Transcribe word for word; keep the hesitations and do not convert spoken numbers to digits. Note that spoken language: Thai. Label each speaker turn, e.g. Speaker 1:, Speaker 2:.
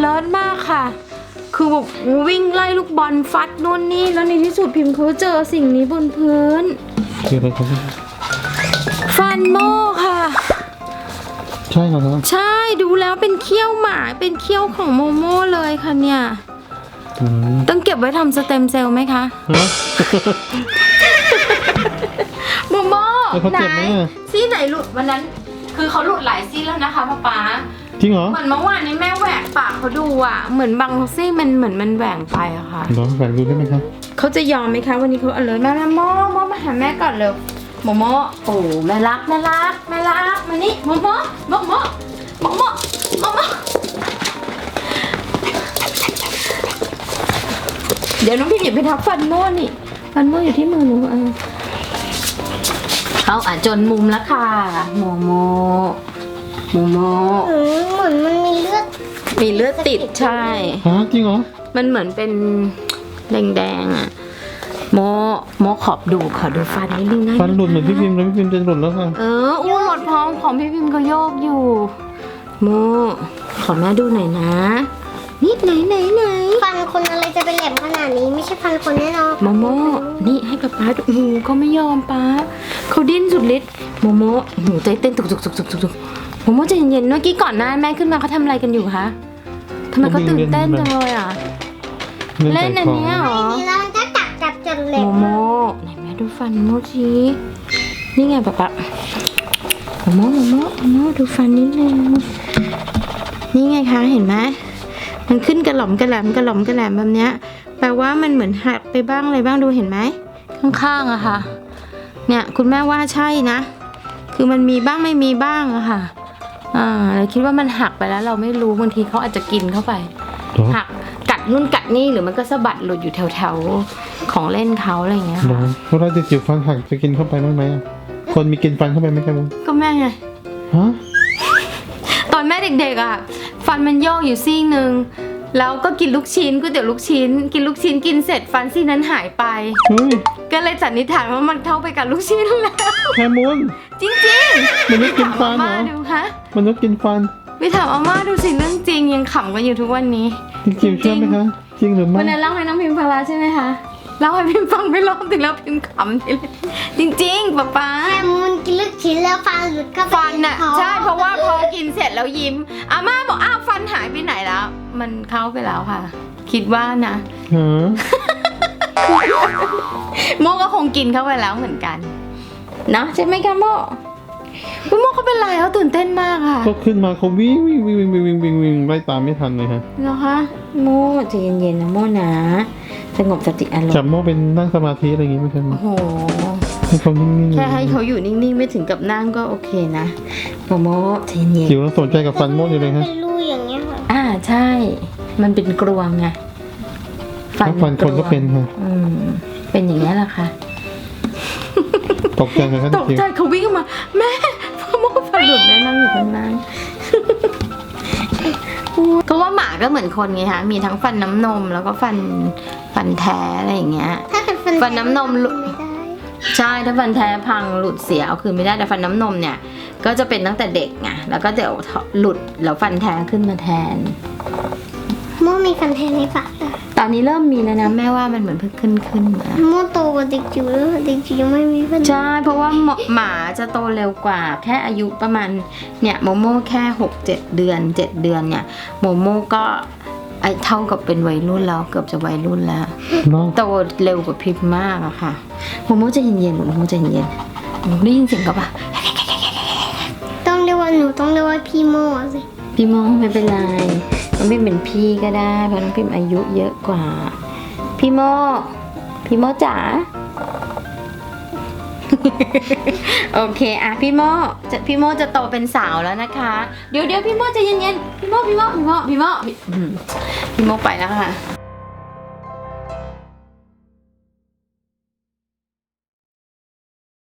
Speaker 1: ลิศมากค่ะคือแบบวิ่งไล่ลูกบอลฟัดนู่นนี่แล้วในที่สุดพิมพ์เขาเจอสิ่งนี้บนพื้น
Speaker 2: คืออะไรครับ
Speaker 1: ฟันโม่ค่ะ
Speaker 2: ใช่ครับ
Speaker 1: ใช่ดูแล้วเป็นเขี้ยวหมาเป็นเขี้ยวของโมโม่เลยค่ะเนี่ยต้องเก็บไว้ทำสเต็มเซลล์ไหมคะโมโม่ไหนซี่ไหนหลุดวันนั้นคือเขาหลุดหลายซี่แล้วนะคะป๊าป๊า
Speaker 2: จริงเหรอ
Speaker 1: เหมือนเมื่อวานนี้แม่แหวกปากเขาดูอ่ะเหมือนบางซี่มันเหมือนมันแหว่งไปอะค่ะ
Speaker 2: ลองแหวกดูได้ไหมครับ
Speaker 1: เขาจะยอมไหมคะวันนี้เขาเอาเลยแม่แม่โมโมมาหาแม่ก่อนเร็วโมโมโอ้แม่รักแม่รักแม่รักมานี่โมโมโมโมโมโมโมโมเดี๋ยวน้องพิมอย่าไปทับฟันโม่นี่ฟันโม่อยู่ที่มือหนูเออเขาอ่ะจนมุมแล้วค่ะโมโมโมโม
Speaker 3: เหมือนมันมีเลือด
Speaker 1: มีเลือดติดใช่
Speaker 2: ฮะจริงเหรอ
Speaker 1: มันเหมือนเป็นแดงๆอ่ะโมโมขอบดูขอดูฟันนิดนึงนะ
Speaker 2: ฟันหลุดเหมือนพี่พิมพ์เลยพี่พิมพ์จะหลุดแล้วค่ะ
Speaker 1: เอออู้หลดพร้อมของพี่พิมพ์เขาโยกอยู่โมขอแม่ดูหน่อยนะนิดไหนไหนไหน
Speaker 3: ฟันคนอะไรจะเป็นแหลมขนาดนี้ไม่ใช่ฟันคนแน่นอน
Speaker 1: โมโมนี่ให้ป๊าป๊าดูหูเขาไม่ยอมป๊าเขาดิ้นสุดฤทธิ์โมโมหูใจเต้นตุกตุกตุกตุกตุกโมโมใจเย็นๆเมื่อกี้ก่อนหน้าแม่ขึ้นมาเขาทำอะไรกันอยู่คะทำไมเขาตื่นเต้นจังเลยอ่ะเล่นอันนี้เหรอ
Speaker 3: แล้วมันก็จับจับจนเล็บ
Speaker 1: โมโมไหนแม่ดูฟันโมชีนี่ไงป๊าป๊าโมโมโมโมโมโมดูฟันนิดนึงนี่ไงคะเห็นไหมมันขึ้นกระหล่อมกระแหลมกระหล่อมกระแหลมแบบเนี้ยแปลว่ามันเหมือนหักไปบ้างอะไรบ้างดูเห็นไหมข้างๆอะค่ะเนี่ยคุณแม่ว่าใช่นะคือมันมีบ้างไม่มีบ้างอะค่ะอ่าเราคิดว่ามันหักไปแล้วเราไม่รู้บางทีเขาอาจจะกินเข้าไปหักกัดนู่นกัดนี่หรือมันก็สะบัดหลุดอยู่แถวๆของเล่นเขาอะไรอย่างเงี้ยค่ะ
Speaker 2: เพราะเราจะจิ๋วฟันหักจะกินเข้าไปได้ไหมคนมีกินฟันเข้าไปไหมครับ
Speaker 1: ก็แม่ไง
Speaker 2: ฮะ
Speaker 1: ตอนแม่เด็กๆอะฟันมันโยกอยู่ซี่นึงแล้วก็กินลูกชิ้นก๋วยเตี๋ยวลูกชิ้นกินลูกชิ้นกินเสร็จฟันซี่นั้นหายไปก็เลยสันนิษฐานว่ามันเข้าไปกับลูกชิ้นแล้ว
Speaker 2: แคมูน
Speaker 1: จริงๆ
Speaker 2: มันไม่กินฟันเหรอมันไม่กินฟัน
Speaker 1: ไปถามอาม่าดูสิเรื่องจริงยังขำกันอยู่ทุกวันนี้
Speaker 2: จริงๆเชื่อไหมคะจริงหรือไม่
Speaker 1: วันนั้นเล่าให้น้องพิมพ์ฟังแล้วใช่ไหมคะเล่าให้พิมพ์ฟังไม่รอบถึงแล้วพิมพ์ขำทีเลยจริงๆป๊าป๊า
Speaker 3: แคมูนกินลูกชิ้นแล้วฟันหลุดเข้าไป
Speaker 1: ฟันน่ะใช่เพราะว่าพอกินเสร็จแล้วยิ้มอาม่าบอกอ้าวฟันหายไปไหนแล้วมันเข้าไปแล้วค่ะคิดว่านะโมก็คงกินเข้าไปแล้วเหมือนกันเนาะใช่ไหมคะโมโมเขาเป็นไรเขาตื่นเต้นมากค่ะ
Speaker 2: ก็ขึ้นมาเขาวิ่งวิ่งวิ่งวิ่งวิ่งวิ่งวิ่งไล่ตามไม่ทันเลยฮะ
Speaker 1: เหรอคะโมใจเย็นๆนะโมนะสงบสติอารมณ์
Speaker 2: จับโมเป็นนั่งสมาธิอะไรอย่างงี้ไม่ใช่ไหม
Speaker 1: โอ้โห
Speaker 2: ให้เขานิ่งๆ
Speaker 1: แค่ให้เขาอยู่นิ่งๆไม่ถึงกับนั่งก็โอเคนะโมใจเย็น
Speaker 2: จิ๋วสนใจกับฟันโมอยู่เลยฮะ
Speaker 3: เป็นรูอย่างเงี้ยค่ะ
Speaker 1: อ่าใช่มันเป็นกรวงไง
Speaker 2: ฟันฟันคนก็เป็นค่ะ
Speaker 1: อืมเป็นอย่างนี้แหละค่ะ
Speaker 2: ตกใจไหมครับ
Speaker 1: ตกใจเขาวิ่งมาแม่พ่อโมฟันหลุดแม่นั่งอยู่ข้างล่างก็ว่าหมาก็เหมือนคนไงคะมีทั้งฟันน้ำนมแล้วก็ฟันฟันแท้อะไรอย่างเงี้ย
Speaker 3: ถ้าเป็นฟัน
Speaker 1: ฟันน้ำนมหลุดใช่ถ้าฟันแท้พังหลุดเสียเอาคืนไม่ได้แต่ฟันน้ำนมเนี่ยก็จะเป็นตั้งแต่เด็กไงแล้วก็เดี๋ยวหลุดแล้วฟันแท้ขึ้นมาแทน
Speaker 3: โมมีฟันแท้ในปาก
Speaker 1: ตอนนี้เริ่มมีแล้วนะแม่ว่ามันเหมือนเพิ่งขึ้นขึ้นมา
Speaker 3: โมโตกว่าเด็กจิ๋วแล้วเด็กจิ๋วยังไม่มีฟัน
Speaker 1: ใช่เพราะว่าหมาจะโตเร็วกว่าแค่อายุประมาณเนี่ยโมโม่แค่หกเจ็ดเดือนเจ็ดเดือนเนี่ยโมโม่ก็ไอเท่ากับเป็นวัยรุ่นแล้วเกือบจะวัยรุ่นแล้วโตเร็วกว่าพิมพ์มากอะค่ะโมโม่จะเย็นๆโมโม่จะเย็นๆได้ยินเสียงกับปะ
Speaker 3: ต้องเรียกว่าหนูต้องเรียกว่าพี่โมสิ
Speaker 1: พี่โมไม่เป็นไรน้องพิมเป็นพี่ก็ได้เพราะน้องพิมอายุเยอะกว่าพี่โมพี่โมจ๋า โอเคอ่ะพี่โมจะพี่โมจะโตเป็นสาวแล้วนะคะเดี๋ยวเดี๋ยวพี่โมจะเย็นๆพี่โมพี่โมพี่โมพี่โมพี่โมไปแล้วค่ะ